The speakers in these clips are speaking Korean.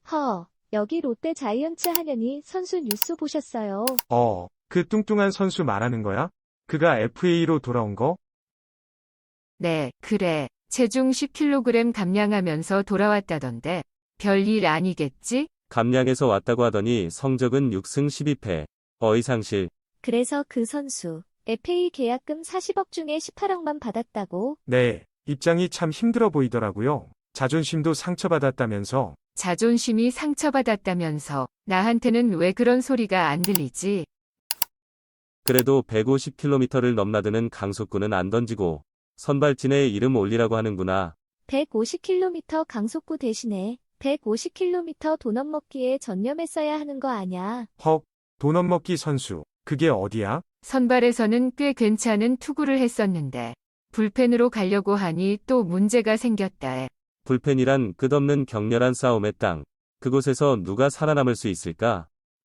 여기 롯데 자이언츠 한현희 선수 뉴스 보셨어요? 그 뚱뚱한 선수 말하는 거야? 그가 FA로 돌아온 거? 네, 그래. 체중 10kg 감량하면서 돌아왔다던데. 별일 아니겠지? 감량해서 왔다고 하더니 성적은 6승 12패. 어이상실. 그래서 그 선수 FA 계약금 40억 중에 18억만 받았다고? 네, 입장이 참 힘들어 보이더라고요. 자존심도 상처받았다면서. 자존심이 상처받았다면서. 나한테는 왜 그런 소리가 안 들리지? 그래도 150km를 넘나드는 강속구는 안 던지고 선발진에 이름 올리라고 하는구나. 150km 강속구 대신에 150km 도넛 먹기에 전념했어야 하는 거 아냐? 도넛 먹기 선수. 그게 어디야? 선발에서는 꽤 괜찮은 투구를 했었는데 불펜으로 가려고 하니 또 문제가 생겼다에. 불펜이란 끝없는 격렬한 싸움의 땅. 그곳에서 누가 살아남을 수 있을까?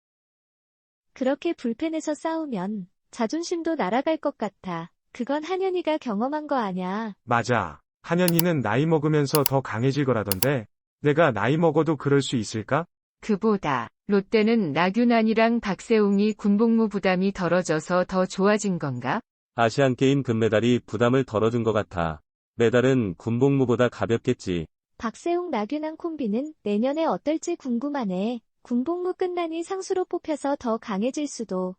그렇게 불펜에서 싸우면 자존심도 날아갈 것 같아. 그건 한현희가 경험한 거 아냐? 맞아. 한현희는 나이 먹으면서 더 강해질 거라던데. 내가 나이 먹어도 그럴 수 있을까? 그보다 롯데는 나균안이랑 박세웅이 군복무 부담이 덜어져서 더 좋아진 건가? 아시안게임 금메달이 부담을 덜어준 것 같아. 메달은 군복무보다 가볍겠지. 박세웅 나균안 콤비는 내년에 어떨지 궁금하네. 군복무 끝나니 상수로 뽑혀서 더 강해질 수도.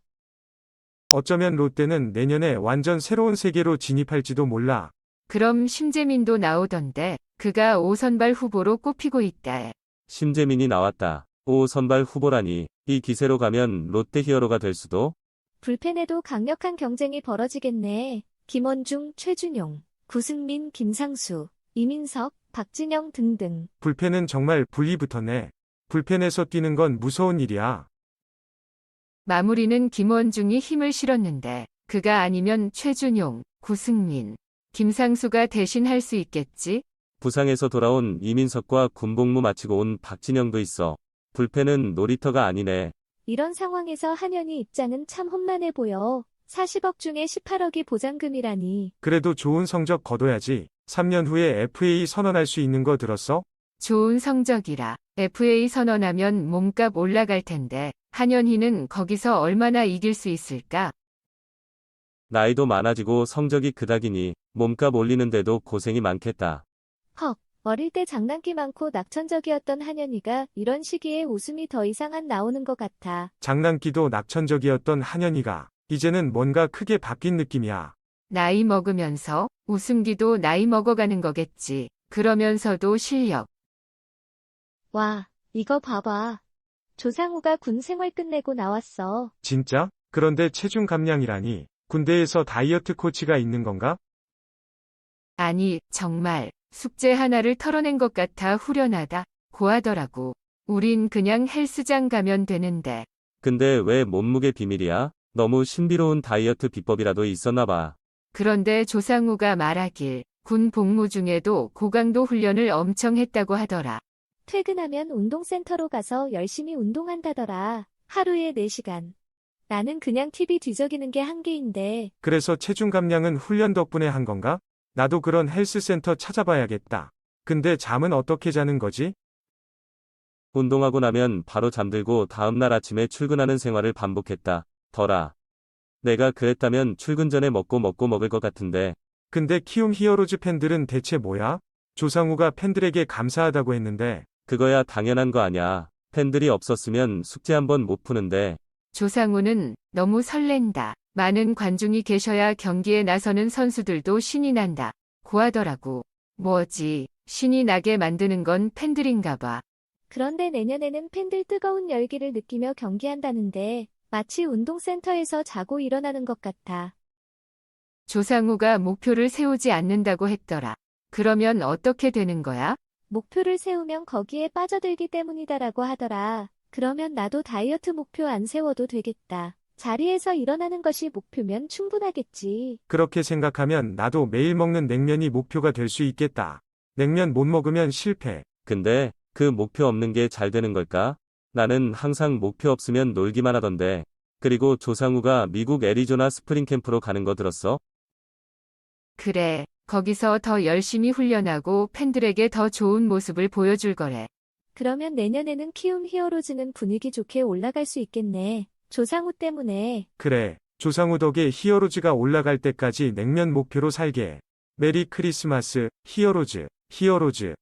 어쩌면 롯데는 내년에 완전 새로운 세계로 진입할지도 몰라. 그럼 심재민도 나오던데 그가 5선발 후보로 꼽히고 있다에. 심재민이 나왔다. 5선발 후보라니. 이 기세로 가면 롯데 히어로가 될 수도? 불펜에도 강력한 경쟁이 벌어지겠네. 김원중, 최준용, 구승민, 김상수, 이민석, 박진영 등등. 불펜은 정말 불이 붙었네. 불펜에서 뛰는 건 무서운 일이야. 마무리는 김원중이 힘을 실었는데 그가 아니면 최준용, 구승민, 김상수가 대신 할 수 있겠지? 부상에서 돌아온 이민석과 군복무 마치고 온 박진영도 있어. 불펜은 놀이터가 아니네. 이런 상황에서 한현희 입장은 참 험난해 보여. 40억 중에 18억이 보장금이라니. 그래도 좋은 성적 거둬야지. 3년 후에 FA 선언할 수 있는 거 들었어? 좋은 성적이라 FA 선언하면 몸값 올라갈 텐데 한현희는 거기서 얼마나 이길 수 있을까? 나이도 많아지고 성적이 그닥이니 몸값 올리는데도 고생이 많겠다. 어릴 때 장난기 많고 낙천적이었던 한현희가 이런 시기에 웃음이 더 이상 안 나오는 것 같아. 장난기도 낙천적이었던 한현희가 이제는 뭔가 크게 바뀐 느낌이야. 나이 먹으면서 웃음기도 나이 먹어가는 거겠지. 그러면서도 실력. 와, 이거 봐봐. 조상우가 군 생활 끝내고 나왔어. 진짜? 그런데 체중 감량이라니. 군대에서 다이어트 코치가 있는 건가? 아니, 정말 숙제 하나를 털어낸 것 같아 후련하다. 고하더라고. 우린 그냥 헬스장 가면 되는데. 근데 왜 몸무게 비밀이야? 너무 신비로운 다이어트 비법이라도 있었나 봐. 그런데 조상우가 말하길 군 복무 중에도 고강도 훈련을 엄청 했다고 하더라. 퇴근하면 운동센터로 가서 열심히 운동한다더라. 하루에 4시간. 나는 그냥 TV 뒤적이는 게 한계인데. 그래서 체중 감량은 훈련 덕분에 한 건가? 나도 그런 헬스센터 찾아봐야겠다. 근데 잠은 어떻게 자는 거지? 운동하고 나면 바로 잠들고 다음날 아침에 출근하는 생활을 반복했다. 더라. 내가 그랬다면 출근 전에 먹고 먹을 것 같은데. 근데 키움 히어로즈 팬들은 대체 뭐야? 조상우가 팬들에게 감사하다고 했는데. 그거야 당연한 거 아냐. 팬들이 없었으면 숙제 한 번 못 푸는데. 조상우는 너무 설렌다. 많은 관중이 계셔야 경기에 나서는 선수들도 신이 난다. 고하더라고. 뭐지, 신이 나게 만드는 건 팬들인가 봐. 그런데 내년에는 팬들 뜨거운 열기를 느끼며 경기한다는데 마치 운동센터에서 자고 일어나는 것 같아. 조상우가 목표를 세우지 않는다고 했더라. 그러면 어떻게 되는 거야? 목표를 세우면 거기에 빠져들기 때문이다라고 하더라. 그러면 나도 다이어트 목표 안 세워도 되겠다. 자리에서 일어나는 것이 목표면 충분하겠지. 그렇게 생각하면 나도 매일 먹는 냉면이 목표가 될 수 있겠다. 냉면 못 먹으면 실패. 근데 그 목표 없는 게 잘 되는 걸까? 나는 항상 목표 없으면 놀기만 하던데. 그리고 조상우가 미국 애리조나 스프링 캠프로 가는 거 들었어? 그래, 거기서 더 열심히 훈련하고 팬들에게 더 좋은 모습을 보여줄 거래. 그러면 내년에는 키움 히어로즈는 분위기 좋게 올라갈 수 있겠네. 조상우 때문에. 그래, 조상우 덕에 히어로즈가 올라갈 때까지 냉면 목표로 살게. 메리 크리스마스, 히어로즈, 히어로즈.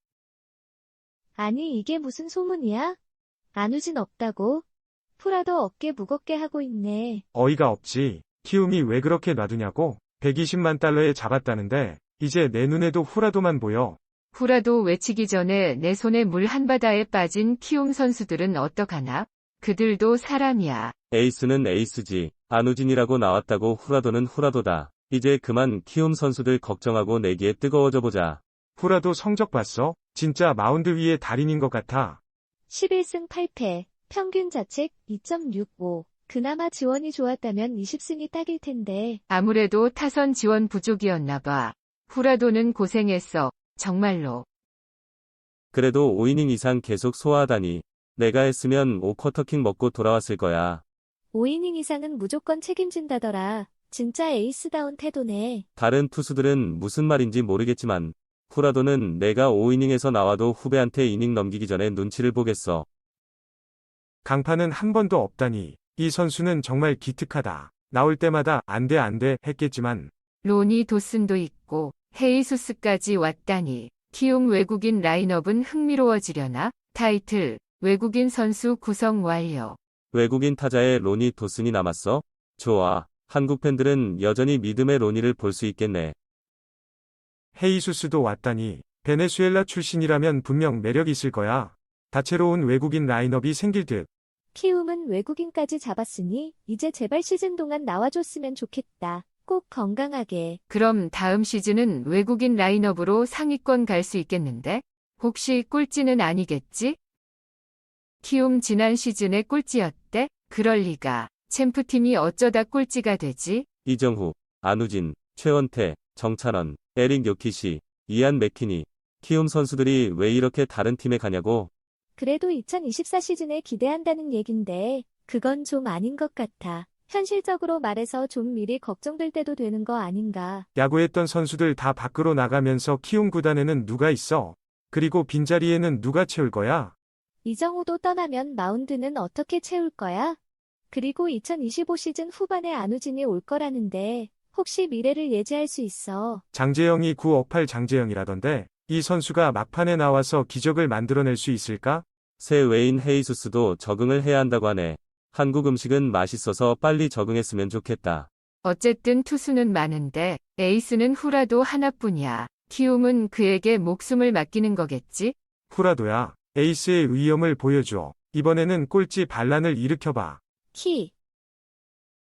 아니, 이게 무슨 소문이야? 안우진 없다고? 프라도 어깨 무겁게 하고 있네. 어이가 없지. 키움이 왜 그렇게 놔두냐고? 120만 달러에 잡았다는데, 이제 내 눈에도 후라도만 보여. 후라도 외치기 전에 내 손에 물 한바다에 빠진 키움 선수들은 어떡하나? 그들도 사람이야. 에이스는 에이스지. 안우진이라고 나왔다고 후라도는 후라도다. 이제 그만 키움 선수들 걱정하고 내기에 뜨거워져 보자. 후라도 성적 봤어? 진짜 마운드 위의 달인인 것 같아. 11승 8패, 평균 자책 2.65. 그나마 지원이 좋았다면 20승이 딱일 텐데. 아무래도 타선 지원 부족이었나 봐. 후라도는 고생했어. 정말로. 그래도 5이닝 이상 계속 소화하다니. 내가 했으면 5쿼터킹 먹고 돌아왔을 거야. 5이닝 이상은 무조건 책임진다더라. 진짜 에이스다운 태도네. 다른 투수들은 무슨 말인지 모르겠지만 후라도는 내가 5이닝에서 나와도 후배한테 이닝 넘기기 전에 눈치를 보겠어. 강판은 한 번도 없다니. 이 선수는 정말 기특하다. 나올 때마다 안 돼 했겠지만 로니 도슨도 있고 헤이수스까지 왔다니. 키움 외국인 라인업은 흥미로워지려나? 타이틀, 외국인 선수 구성 완료. 외국인 타자의 로니 도슨이 남았어? 좋아. 한국 팬들은 여전히 믿음의 로니를 볼 수 있겠네. 헤이수스도 왔다니. 베네수엘라 출신이라면 분명 매력 있을 거야. 다채로운 외국인 라인업이 생길 듯. 키움은 외국인까지 잡았으니 이제 제발 시즌 동안 나와줬으면 좋겠다. 꼭 건강하게. 그럼 다음 시즌은 외국인 라인업으로 상위권 갈 수 있겠는데? 혹시 꼴찌는 아니겠지? 키움 지난 시즌에 꼴찌였대? 그럴 리가. 챔프팀이 어쩌다 꼴찌가 되지? 이정후, 안우진, 최원태, 정찬원, 에릭 요키시, 이안 맥키니. 키움 선수들이 왜 이렇게 다른 팀에 가냐고? 그래도 2024 시즌에 기대한다는 얘긴데 그건 좀 아닌 것 같아. 현실적으로 말해서 좀 미리 걱정될 때도 되는 거 아닌가. 야구했던 선수들 다 밖으로 나가면서 키움 구단에는 누가 있어? 그리고 빈자리에는 누가 채울 거야? 이정우도 떠나면 마운드는 어떻게 채울 거야? 그리고 2025 시즌 후반에 안우진이 올 거라는데 혹시 미래를 예지할 수 있어? 장재영이 9억 8 장재영이라던데 이 선수가 막판에 나와서 기적을 만들어낼 수 있을까? 새 외인 헤이수스도 적응을 해야 한다고 하네. 한국 음식은 맛있어서 빨리 적응했으면 좋겠다. 어쨌든 투수는 많은데 에이스는 후라도 하나뿐이야. 키움은 그에게 목숨을 맡기는 거겠지? 후라도야. 에이스의 위엄을 보여줘. 이번에는 꼴찌 반란을 일으켜봐. 키